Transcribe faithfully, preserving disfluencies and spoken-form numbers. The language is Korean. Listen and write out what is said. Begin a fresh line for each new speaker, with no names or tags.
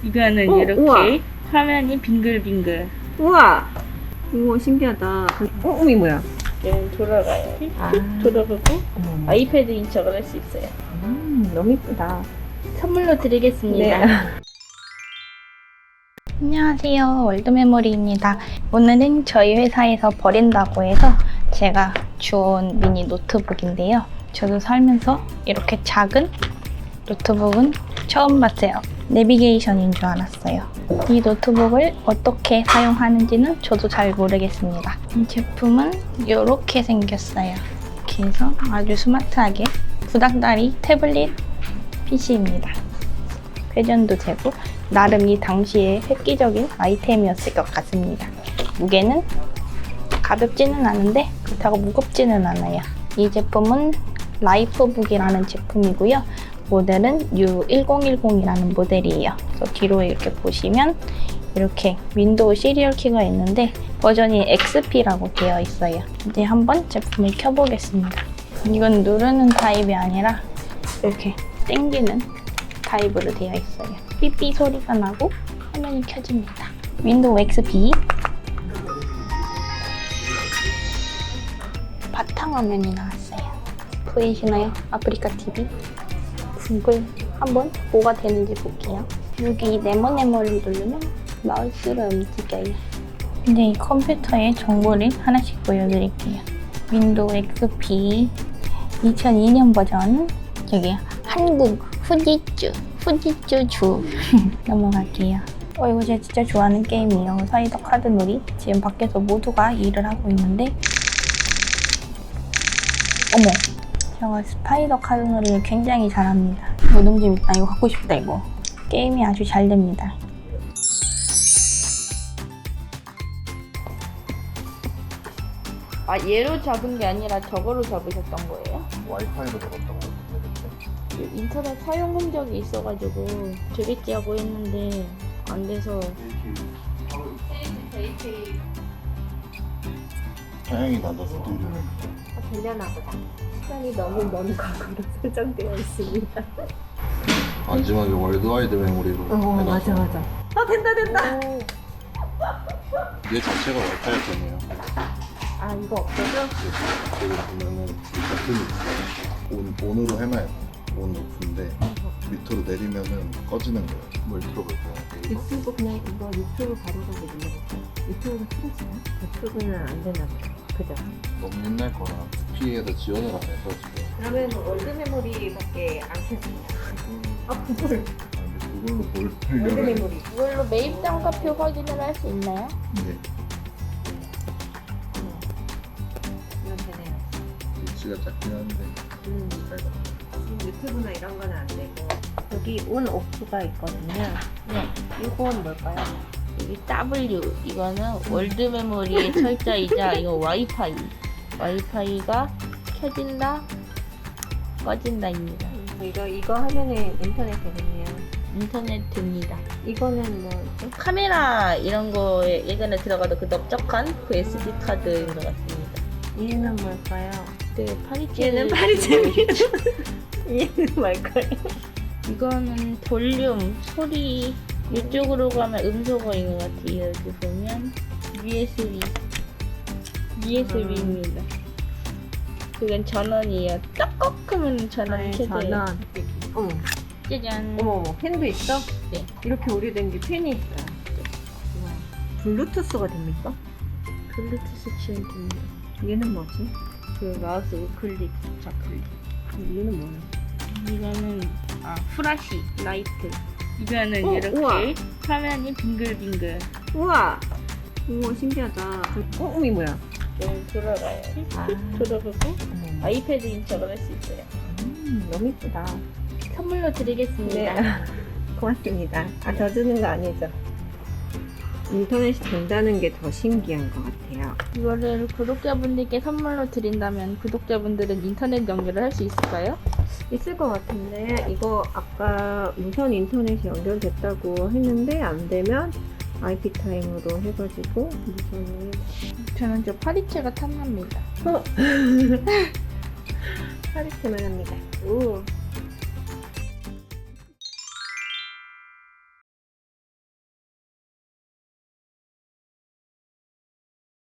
이거는
어,
이렇게
우와.
화면이 빙글빙글.
우와! 우와, 신기하다. 어, 어미 뭐야?
얘는 돌아가요.
아.
돌아가고
어머.
아이패드 인척을 할 수 있어요.
음, 너무 이쁘다.
선물로 드리겠습니다.
네.
안녕하세요. 월드메모리입니다. 오늘은 저희 회사에서 버린다고 해서 제가 주운 미니 노트북인데요. 저도 살면서 이렇게 작은 노트북은 처음 봤어요. 내비게이션인 줄 알았어요. 이 노트북을 어떻게 사용하는지는 저도 잘 모르겠습니다. 이 제품은 이렇게 생겼어요. 이렇게 해서 아주 스마트하게 구닥다리 태블릿 피시입니다. 회전도 되고 나름 이 당시에 획기적인 아이템이었을 것 같습니다. 무게는 가볍지는 않은데 그렇다고 무겁지는 않아요. 이 제품은 라이프북이라는 제품이고요. 모델은 유 일공일공이라는 모델이에요. 그래서 뒤로 이렇게 보시면 이렇게 윈도우 시리얼 키가 있는데 버전이 엑스피라고 되어 있어요. 이제 한번 제품을 켜보겠습니다. 이건 누르는 타입이 아니라 이렇게 당기는 타입으로 되어 있어요. 삐삐 소리가 나고 화면이 켜집니다. 윈도우 엑스피 바탕화면이 나왔어요. 보이시나요? 아프리카 티비 구글 한번 뭐가 되는지 볼게요. 여기 네모네모를 누르면 마우스로 움직여요. 이제 이 컴퓨터의 정보를 하나씩 보여드릴게요. 윈도우 엑스피 이천이 년 버전, 여기 한국 후지쭈 후지쭈 주 넘어갈게요. 어, 이거 제가 진짜 좋아하는 게임이에요. 사이더 카드놀이. 지금 밖에서 모두가 일을 하고 있는데 어머, 제가 스파이더 카드놀이를 굉장히 잘합니다. 노동집 있다. 이거 갖고 싶다. 이거 게임이 아주 잘 됩니다.
아, 얘로 잡은 게 아니라 저거로 잡으셨던 거예요?
와이파이로 잡았던 것 같은데.
인터넷 사용 흔적이 있어가지고 되겠지 하고 했는데 안 돼서.
다행히 나도 스튜디오.
아, 되려나 보다. 시간이 너무 먼 과거로 설정되어 있습니다.
마지막에 월드와이드 메모리로
어,
해놔서
맞아, 맞아. 아, 된다, 된다!
얘 자체가 와이파이 때문에요.
아, 이거 없어져?
여기 보면은 버튼이 있어요. 온, 온으로 해놔야 돼. 온 오프인데 밑으로 내리면은 꺼지는 거예요. 뭘 틀어볼까요? 이거?
유튜브 그냥 이거 유튜브 바로가고 눌러볼까? 유튜브가 틀어지나? 유튜브는 안 되나 보다. 그죠?
너무 옛날 거라 피에서 지원을 안 해서 지금.
그러면 월드 메모리밖에 안 켰습니다. 아, 구글.
아, 근데 그걸로 뭘
월드
하려고 해?
메모리.
이걸로 매입 단가표 확인을 할 수 있나요?
네.
이건 되네요.
위치가 작긴 한데
음.
잘 가.
지금 유튜브나 이런 건 안 되고. 여기 온 오프가 있거든요.
네.
이건 뭘까요?
여기 W 이거는 월드 메모리의 철자이자 이거 와이파이. 와이파이가 켜진다, 꺼진다입니다.
음, 이거 이거 하면은 인터넷 되겠네요.
인터넷 됩니다.
이거는 뭐죠?
카메라 이런 거에 예전에 들어가도 그 넓적한 그 에스디 카드인 것 같습니다.
얘는 뭘까요?
네, 파리채.
얘는 파리채미. 얘는 뭘까요?
이거는 볼륨, 소리. 이쪽으로 가면 음소거인 것 같아요. 여기 보면 유에스비. 유에스비입니다. 그건 전원이에요. 딱꼭 하면 전원이 켜져요.
전원. 어머,
짜잔.
어머, 어머, 펜도 있어?
네.
이렇게 오래된 게 펜이 있어요. 우와. 블루투스가 됩니까?
블루투스 지원됩니다.
얘는 뭐지?
그 마우스 우클릭, 좌클릭.
얘는 뭐야?
이거는 아 프라시 라이트. 이거는
어,
이렇게
우와.
화면이 빙글빙글.
우와! 우와, 신기하다. 어, 어미 뭐야?
좀 돌아가요.
아.
돌아가고
어머.
아이패드 인척을 할 수 있어요.
음, 너무 이쁘다.
선물로 드리겠습니다.
네. 고맙습니다. 아, 저 주는 거 아니죠? 인터넷이 된다는 게 더 신기한 것 같아요.
이거를 구독자분들께 선물로 드린다면 구독자분들은 인터넷 연결을 할 수 있을까요?
있을 것 같은데, 이거 아까 무선 인터넷이 연결됐다고 했는데, 안 되면 아이피 타임으로 해가지고, 무선을.
저는 저 파리채가 탐납니다.
파리채만 합니다. 오.